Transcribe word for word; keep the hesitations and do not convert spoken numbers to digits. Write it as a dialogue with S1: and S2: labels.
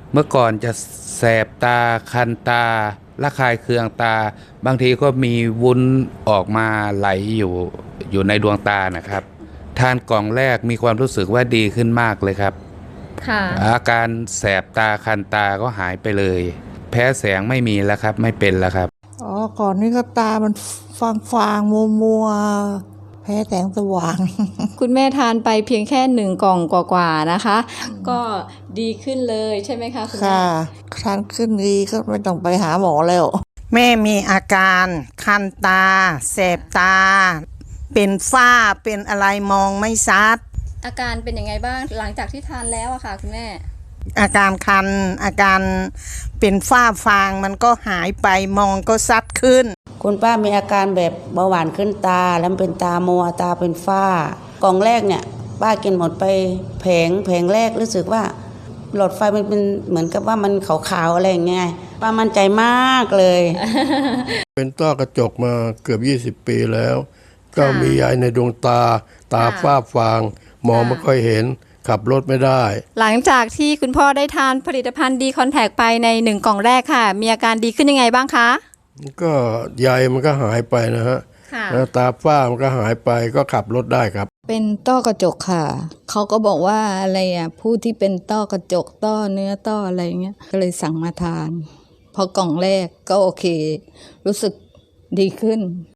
S1: เมื่อก่อนจะแสบตาคันตาระคายเคืองตาบางทีก็มีวุ้นออกมาไหลอยู่อยู่ในดวงตานะครับทานกล่องแรกมีความรู้สึกว่าดีขึ้นมากเลยครับ
S2: ค่ะ
S1: อาการแสบตาคันตาก็หายไปเลยแพ้แสงไม่มีแล้วครับไม่เป็นแล้วครับ
S3: อ๋อก่อนนี้ก็ตามันฟางฟางมัวมัวแพ้แสงสว่าง
S2: คุณแม่ทานไปเพียงแค่หนึ่งกล่องกว่าๆนะคะ ก็ดีขึ้นเลยใช่ไหมคะคุณแม่
S3: ค่ะทานขึ้นดีก็ไม่ต้องไปหาหมอแล้ว
S4: แม่มีอาการคันตาแสบตา เป็นฝ้าเป็นอะไรมองไม่ชัด
S2: อาการเป็นยังไงบ้างหลังจากที่ทานแล้วอะค่ะคุณแม่
S4: อาการคันอาการเป็นฝ้าฟางมันก็หายไปมองก็ชัดขึ้น
S5: คุณป้ามีอาการแบบเบาหวานขึ้นตาแล้วเป็นตามัวตาเป็นฝ้ากล่องแรกเนี่ยป้ากินหมดไปแผงแผงแรกรู้สึกว่าหลอดไฟมันเป็นเหมือนกับว่ามันขาวๆอะไรอย่างเงี้ยป้ามั่นใจมากเลย
S6: เป็นต้อกระจกมาเกือบยี่สิบปีแล้ว ก็มียายในดวงตาตาฝ้าฟางมองไม่ค่อยเห็นขับรถไม่ได้
S2: หลังจากที่คุณพ่อได้ทานผลิตภัณฑ์ดีคอนแทคไปในหนึ่งกล่องแรกค่ะ มีอาการดีขึ้นยังไงบ้างคะ
S6: ก็ใยมันก็หายไปนะฮะ
S2: ค่ะ
S6: แล้วตาฝ้ามันก็หายไปก็ขับรถได้ครับ
S7: เป็นต้อกระจกค่ะ เขาก็บอกว่าอะไรอ่ะผู้ที่เป็นต้อกระจกต้อเนื้อต้ออะไรเงี้ย ก็เลยสั่งมาทาน พอกล่องแรกก็โอเค รู้สึกดีขึ้น